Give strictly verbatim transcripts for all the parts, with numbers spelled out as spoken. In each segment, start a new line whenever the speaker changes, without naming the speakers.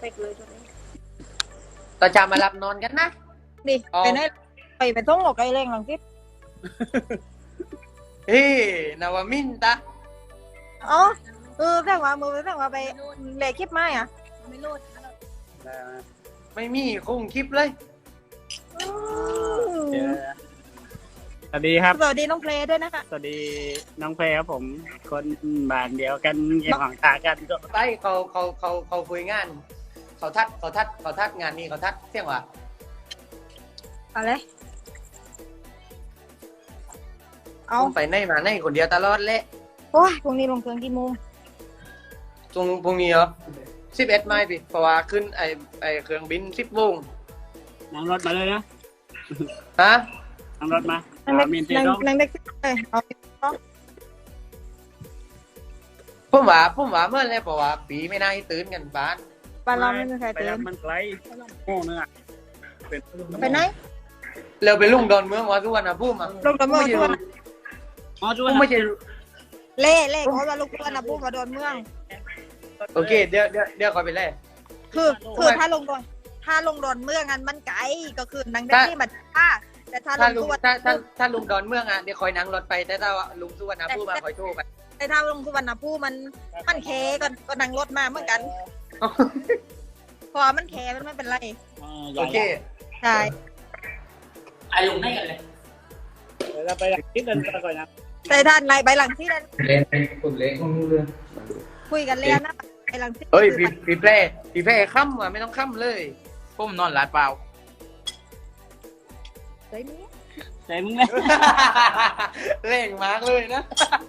กเลยตัวนี้
ต่อจะมารับนอนกันนะ
นี่
อ๋อ
ไปไหนไปไปท่องหลอกไอ้แรงหลังสิ
เฮ้นาวามินตา
อ๋อเออแท่งว่ามือแท่งว่าไปเละคลิปไม้อ่ะไม่รูด
ไม่มีคงคลิปเลย
สวัสดีครับ
สวัสดีน้องเพลย์ด้วยนะคะ
สวัสดีน้องเพลครับผม คนบ้านเดียวกันเกี่ยวของตากันก็
ไปเขาเขาเขาเขาคุยงาน เขาทัดเขาทัดเขาทัดงานนี้เขาทัดเที่ยงว่ะ
อะไรเอา
ผมไปไหนมาไหนคนเดียวตลอดเละ
โอ้ยพรุ่งนี้ลงเครื่องกี่โมง
ตรงพรุ่งนี้เหรอสิบเอ็ดไมล์พี่เพราะว่าขึ้นไอไอเครื่องบินสิบโมง
นั่งรถมาเลยนะ
ฮะ
นั่งรถมา
นั่งเด็ก
มีนเตี
นั่ง
ร้อง
นั่งเด็กเลยเอา
ผมว่าผมว่าเมื่อไรเพราะว่าปีไม่น่าให้ตื่นกันบ้าน
บ้านเราไม่มีใคร
ไป
ตื่
รับ
น
มันไกลโง่เนื้อเป็น
ไปไหน
เราไปลุ่งดอนเมืองว่าทุกวันนะพูดมา
ลงกับเมืองทุกวัน
อ๋อจุ๊
ผม
บ
ไม่ใช่
เล่เล่เขาว่าลูกเพื่อนนะพูดมาโดนเมือง
โอเคเดี๋ยวเดี๋ยวเดี๋ยวคอยไปเล่
คือคือถ้าลงดอนถ้าลงดอนเมืองอันมันไกลก็คือนังได้ที่บัตรค่าแต่ถ้าล
ถ้าง ลุ
ทุ
ง
กวัน
ถ้าถ้าถ้าลุงดอนเมืองอ่ะเดี๋ยวคอยนั่งรถไปแต่ถ้าว่าลุงสุวรรณภูมิมาคอยโทรไป
แต่ถ้าลงทุกวันนะผู้มันมันแคก็ก็นั่งรถมาเหมือนกันพอมันแคมันไม่เป็นไร
โอเค
ใช่
ไอ้ลุงได้กันเลยเราไปคิดกันก่อนนะ
แต่ท่านไรใบหลังที่นั่น
เล่นเป็นคนเล่นของเรื่อง
คุยกันเลยนะใบหลังที่
เฮ้ยพี่พี่แพร่พี่แพร่ค่ำอ่ะไม่ต้องค่ำเลย
ผมนอนหลาดเปล่า
เฮ้ยนี่
ใจมึงเลย
เล่งมากเลยนะ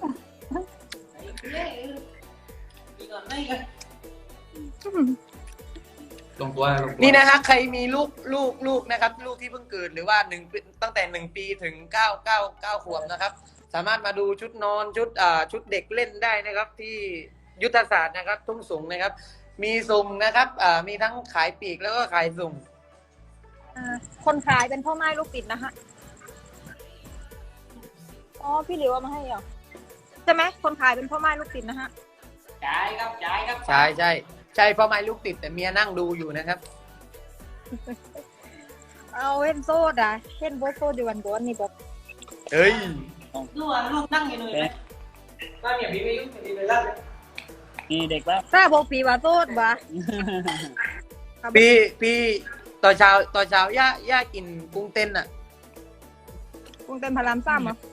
ลงตัวลงตัว
นี่นะฮะใครมีลูกลูกลูกนะครับ ลูกที่เพิ่งเกิดหรือว่าหนึ่งปีตั้งแต่หนึ่งปีถึงเก้าเก้าเก้าขวบนะครับ สามารถมาดูชุดนอนชุดอ่าชุดเด็กเล่นได้นะครับ ที่ยุทธศาสตร์นะครับ ทุ่งสูงนะครับ มีส่งนะครับอ่ามีทั้งขายปลีกแล้วก็ขายส่ง
คนขายเป็นพ่อไม้ลูกติดนะฮะอ๋อพี่หลิวเอามาให้เหรอใช่ไหมคนขายเป็นพ่อไม้ลูกติดนะฮะ
จ่ายครับจ่ายครับ
ใช่ใช่ใช่พ่อไม้ลูกติดแต่เมียนั่งดูอยู่นะครับ
เอาเห็นโซดอ่ะเห็นโบโซดอยู่วันก่อนนี่บอก
เฮ้ย
ลูกอ่ะลูกนั่งอยู่เลยบ้านเนี่ยพี่ไม่ยุ่งพี่ไปรับเลย
มีเด็กแล้ว
ทราบบอกผีว่าโซดวะ
พี่พี่ตอนเช้าตอนเช้าย่าย่ากินกุ้งเต้นอ่ะ
กรุงเต้นพารามซ้ำเหรอ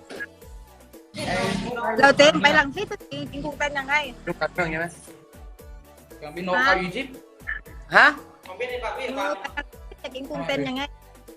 เราเต้นไปหลังที่กินกินกรุงเต้นยังไง
ลูกกับเครื่องใช่ไหม
กับพี่นกเขาอยู่จิ๊บ
ฮะ
ของพี่ในปากพี่
เอ
ปา
อก ไปหลังที่จะกินกรุงเต้นยังไง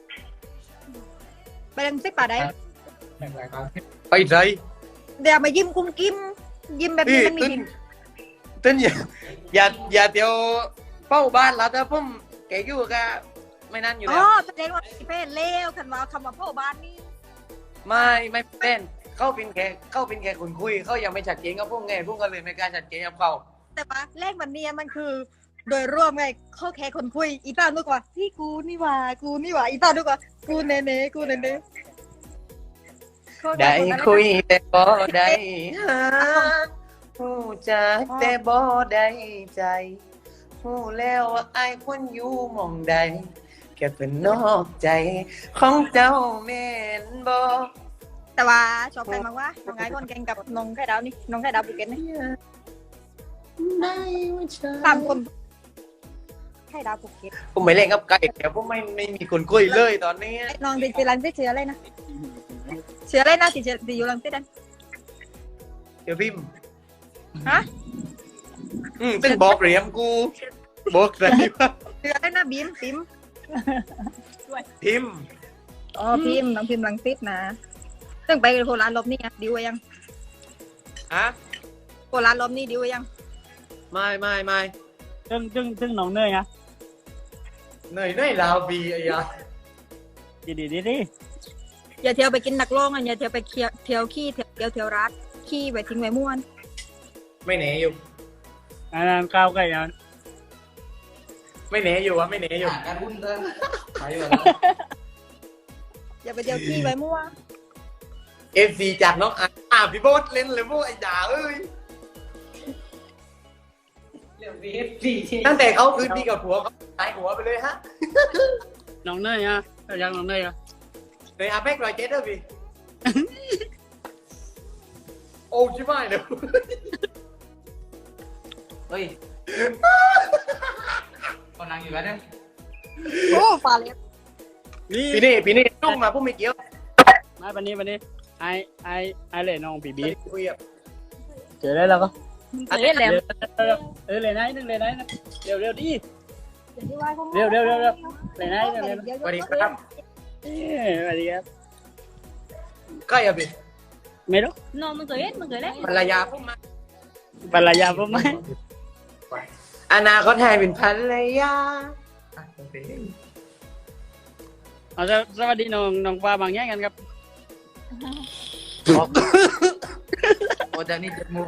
ไปหลังที่ป่าได้
ไปใจ
เดี๋ยวมายิ้มกุ้มกิ้มยิ้มแบบ
พี่
นี้มันมี
ตึ้น
ยิ้ม
ตึ้นอย่าอย่าอย่าเดี๋ยวเป้าบ้านเราแต่ผมแกอยู่ก็ไม่นั่นอยู่
อ๋
แล้
อ
ว
แสดงว่าพี่เพศเลวคันว่าคำว่าพ่อบ้านนี่
ไม่ไม่เต้นเขาเป็นแค่เขาเป็นแค่คนคุยเขายังไม่ชัดเจนกับพวกไงพวกก็เลยไม่กล้าชัดเจนกับเขา
แต่ว่าเลขมันเนี่ยมันคือ โดยรวมไงเขาแค่คนคุยอีตานึกว่าพี่กูนี่หว่ากูนี่หว่าอีตานึกว่ากูเนเน่กูเนเน่เขาแค่
ได้
นนั้น
คุยแต่บ่ได้หาหูจักแต่บ่ได้ใจหูแล้วว่าไอ้ายคนอยู่หมองใดแค่เป็นนอกใจของเจ้าแม่นบ่
แต่ว่าชอบใครมากว่าน้องไอ้คนเก่งกับน้องไข่ดาวนี่น้องไข่ดาวภูเก็ตนี่
ได้ว่าฉัน
สามคนไข่ดาวภูเก็ต
ผมไม่เล่นกับไก่เดี๋ยวผมไม่ไม่มีคนคุยเลยตอนนี้
ไอ้น้องติดติดรังติดเชื้ออะไรนะเชื้ออะไรนะติดเชื้อติดอยู่รังติดนั้น
เดี๋ยวพิมพ์
ฮะ
อืมตึ้งบอกเหรียมกูบอกอะไรวะ
เชื้ออะไรนะบีมบีม
พิมพ์
อ๋อพิมพ์น้องพิมพ์รังติดนะซึ่งไปโคราชรอบนี้อะดิวไว้ยัง
ฮะ
โคราชรอบนี้ดิวไว้ยัง
ไม่ไม่ไม่
ซึ่งซึ่งซึ่งน้องเนยนะ
เหนื่อยเหนื่อยลาวบีไอ้ยา
ดีดีดีดี
อย่าเที่ยวไปกินนักโล่งอ่ะอย่าเที่ยวไปเที่ยวเที่ยวขี้เที่ยวเที่ยวเที่ยวรัดขี้ไว้ทิ้งไว้ม่วน
ไม่หนีอยู่
อันนั้นก้าวไกลนะ
ไม่หนีอยู่วะไม่หนีอยู่
การหุ้นเดินไปแบบ
อย่าไปเที่ยวขี้ไว้มั่ว
เอฟซีจากน้องอ่ะอ่ะพี่โบ๊ทเล่นเลยพวกไอ้ด่าเอ้ย
เรื่องเบีเอฟซี
ตั้งแต่เขาคืนดีกับผัวเขาหายหัวไปเลยฮะ
น้องเนยอ่ะยังน้องเนยอ่ะ
เลยอาเพ็กรอยเจ็ดด้วยพี่ โอ้ชิบหายเลย
เฮ้ยคนนั่งอยู่กันเนี่ย
โอ้ฟาเลส
นี่
พี่นี่พี่นี่นุ่งมาพวกไม่เกี่ยว
มาปันนี้ปันนี้ไอไอไอเลยน้องบีบี
คุยกับ
เจอได้แล้วก็
เฮ้ยแหลม
เออเลยนะนึงเลยนะเร็วเร็วดิ
เร็ว
เร็วเร็วเร็วเลยนะเร็วเร็ว
สวัสดีครับ
เอ้ยสวัสดีครับ
ใกล้อะพี่
ไม่รู้
no มันเกิดมันเกิดแล้ว
ภรรยาผมมา
ภรรยาผมไหม
อนาคตให้เป็นภรรยา
เอาสวัสดีน้องน้องฟ้าบางแย่งกันครับ
โอ้แต่นี่เจ็ดโมง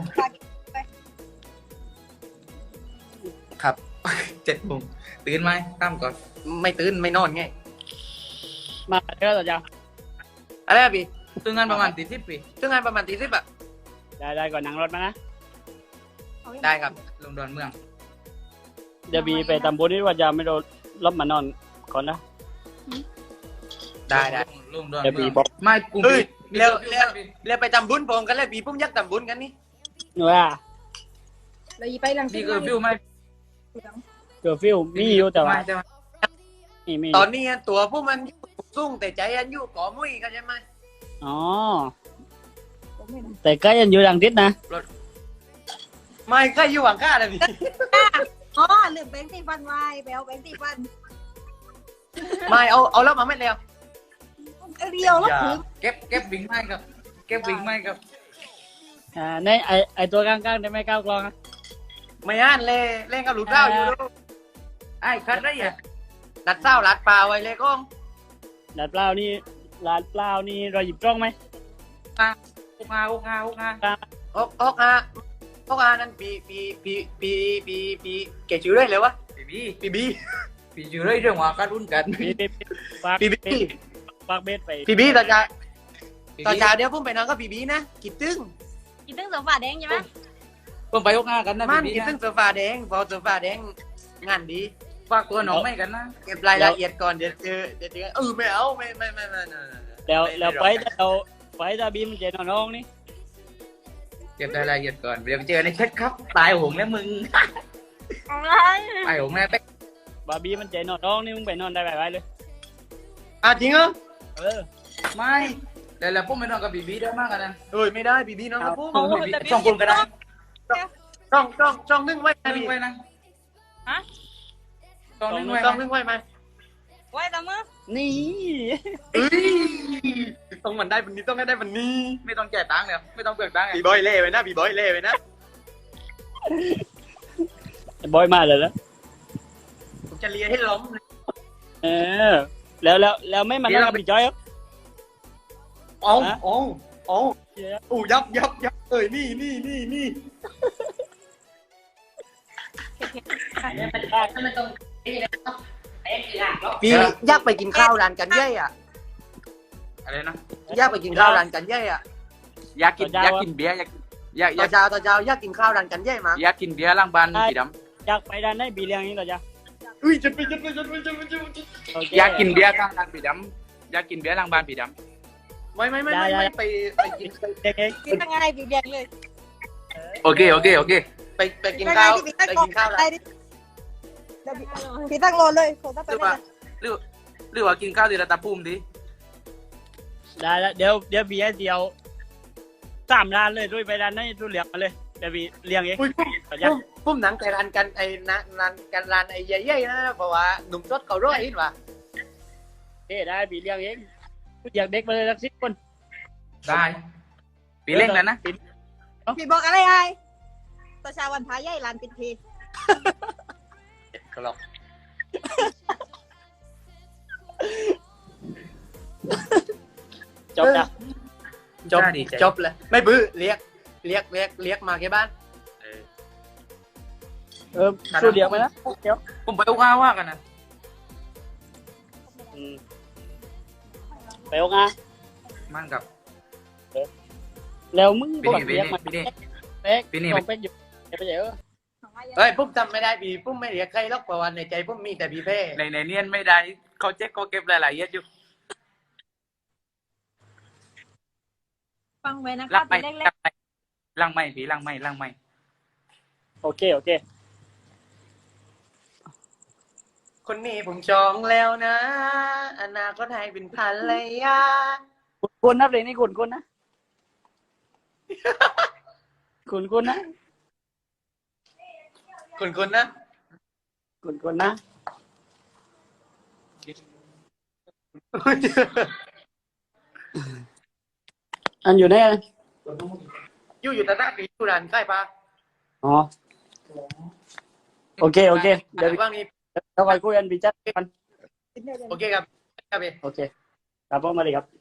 ครับ เจ็ดโมงตื่นไหมตั้มก่อน
ไม่ตื่นไม่นอนไง
มาเด้อต่อจ้า
อะไรอะพี่
ตื่นงานประมาณตีสิบปี
ซึ่งงานประมาณตีสิบอะ
ได้ได้ก่อนนั่งรถมานะ
ได้ครับ
ลงดอนเมือง
เดี๋ยวบีไปตำบุญนี่ว่าจะไม่โดนลบมานอนก่อนนะ
ได้ได้
ลงดอน
เดี๋ยว
เมื
บี
อง
บอก
ไม่กรุง
เฮ้ย
มี
เร็ว
มี
เร็ว เรียกไปทำบุญพร้อมกันเลยพี่ผมอยากทำบุญกันนี่
ว่า
เราไปหลัง
นี่คือฟิวไม่
เกิดฟิวมีอยู่แต่ว่า
ไม่ใช่ไหม
มีมี
ตอนนี้ตัวพวกมันอยู่สูงแต่ใจอันอยู่ก่อมุ้ยกันใช่ไหม
อ๋อแต่ก็ยังอยู่ดังทิศนะ
ไม่ก็อยู่หวังข้าเลยพี่
อ๋อลืมแบงค์ตีฟันไว้ไปเอาแบงค์ตีฟัน
ไม่เอาเอาแล้วมาไม่เร็ว
เรียวแล้วถึง
เก็บเก็บวิ่งไม่ครับ เก็บวิ่งไม่ครับ
อ่าในไอไอตัวกลางๆได้ไหมก้าวกลองอะ
ไม่อ่านเลยเล่นกับหลุดเท้าอยู่ดู
ไอ้คัดได้ยัง
ดัดเท้าลัดปลาไว้เลยก้อง
ดัดเปล่านี่ลาดเปล่านี่เราหยิบจ้องไหม
อุกงาอุกงาอุกงา
ออกออกอาออกอานั่นปีปีปีปีปีปีเก่ชื่อได้เลยวะ
ปีบี
ปีบี
ปีอยู่เรื่องว่าการรุ่นกัน
ปีปีปีฝาก
ปีบี
ฝากเบสไป
ปีบีต่อจากต่อจากเดี๋ยวผมไปนอนก็ปีบีนะกิดตึ้ง
กินตึ้งโซฟาแดงใช่ไหม
ผมไปอุกงากันนะ
มัน
ปีบี
กิดตึ้ง
นะ
โซฟาแดงพอโซฟาแดงงานดี
ฝากตัวน้องไม่กันนะ
เก็บรายละเอียดก่อนเดี๋ยวเจอเดี๋ยวเจอเออไม่เอาไม่ไม่ไม่ไม่ไม่
แล้วแล้วไปเราไปตาบีมันเจนน้องนี่
เก็บรายละเอียดก่อนเดี๋ยวไปเจอในแชทครับ ตายหงแล้วมึง
อะไร
ตายหงแน่เป๊ก
บาบีมันเจนน้องนี่มึงไปนอนได้ไปเลย
อ่ะจริงเหรอ
เออ
ไม่เดี๋ยวเราพุ่งไปนอนกับบีบีได้มากกันนะ
เอ้ยไม่ได้ปีบีน้องกับผม
ช่องคุณก็ได้
ช่องช่องช่องนึ่งไว้
ช่อง
นะ
นึ
พี่
งไว้นะ
ฮะ
ช่องนึงไว้
ช่อง
นะ
นึ่งไว้ไหม
ไว้ตามมือ
นี่
เอ้ยต้องมันได้วันนี้ต้องให้ได้วันนี้
ไม่ต้องแจกตังค์เลยไม่ต้องเบิกตังค์
บีบอยเล่ไปนะบีบอยเล่ไปนะ
บอยมาเลยแล้ว
ผมจะเลียให้ล้มเลย
เออแล้วแล้วแล้วไม่มานั่งกับพี่จอยครับ
อ๋ออ๋ออ๋ออู้ยับยับยับเอ้ยนี่นี่นี่นี่
มันตรง
พี่อยากไปกินข้าวร้านกันเย่อะ
อะไรนะ
อยากไปกินข้าวร้านกันเย่อะ
อยากกินอยากกินเบียร์อยากอยากอ
ต่
ยา
อก เช้าต่อเช้าอยากกินข้าวร้านกันเย่มา
อยากกินเบียร์ล้างบ้านพี่ด
อยากไปด้านไหนบีเลี้ยงนี่เหรอจ๊ะ
อุ้ยจะไปจะไปจะไปจะไปจะไป
โเค
ำอยากกินเบียร์ข้างบ้านพี่ดำอยากกินเบียร์ล้างบ้านพี่ด
ไม่ไม่ไม่ไม่ไม่ไปไปกิน
เด็กเอง
กินยังไงบีบแดงเลย
ำโอเคโอเคโอเค
ไปไปกินข้าวไปกินข้าวร้าน
พี่ตั้งรอเลยโคตร
ห
ไป
รือ
เล
ว่าย หรือหรือว่ากินข้าวที่ระดับภูมิดิ
ได้แล้วเดี๋ยวเดี๋ยวบีให้เดียวสามร้านเลยด้วยไปด้านไหนด้วยเลี้ยงมาเลยเดี๋ยวบีเลี้ยงเอง
อุ้ยพุ่มพุ่มหนังแต่ร้านกันไอ้นะร้านกันร้านไอ้ใหญ่ๆนะเพราะว่าหนุ่มรถเขาร้อยนิดว่ะ
เอ้ได้บีเลี้ยงเองอยากเด็กมาเลยสักสิบคน
ได้ปีเล่งแล้วนะ
พี่บอกอะไรไอ้ตัวชาวันพายใหญ่ลานปิดที
กรอบ
จบนะ
จบจบเลยไม่บื้อเรียกเรียกเรียกเรียกมาแค่บ้าน
เออสู้เลี้ยงไปนะเดี๋ยว
ผมไปอุกาว่ากันนะ
อืมไปโองา
มั่งกับ
แล้วมึง
ปี
บอก
นี้ปี
เลี้ยง
นี้
มา
ปีนี้
เป๊ก
ปีนี้
ต้องเป๊กอยู่เดี๋ยวไปเดี๋ยว
เฮ้ยปุ๊บจำไม่ได้พี่ปุ๊บไม่เรียกใครหรอกเพราะว่าในใจปุ๊บมีแต่พี่เพ่
ในในเนียนไม่ได้เขาเจ๊กเขาเก็บรายละเอียดอยู่
ฟังไว้นะ
ลั
คะ
งไม่
ทีเล็
ลั
ก
งไม่ลังไม่ผีลังไม่ลังไม่
โอเคโอเค
คนนี้ผมจองแล้วนะ อนาคตให้เป็นภรรยา
คุณคุณนะเพลงนี้คุณคุณนะ คุณคุณนะ
คุณคุณนะ
คุณคุณนะอันอยู่ไหนอะ
อยู่อยู่แต่หน้าปีอยู่ร้านใกล้ปะ
อ๋อโอเคโอเคเดี๋ยว
ว่างนี้
เราไปคุยกันพี่จัดกัน
โอเคครับครับพี่
โอเคครับผมมาเลยครับ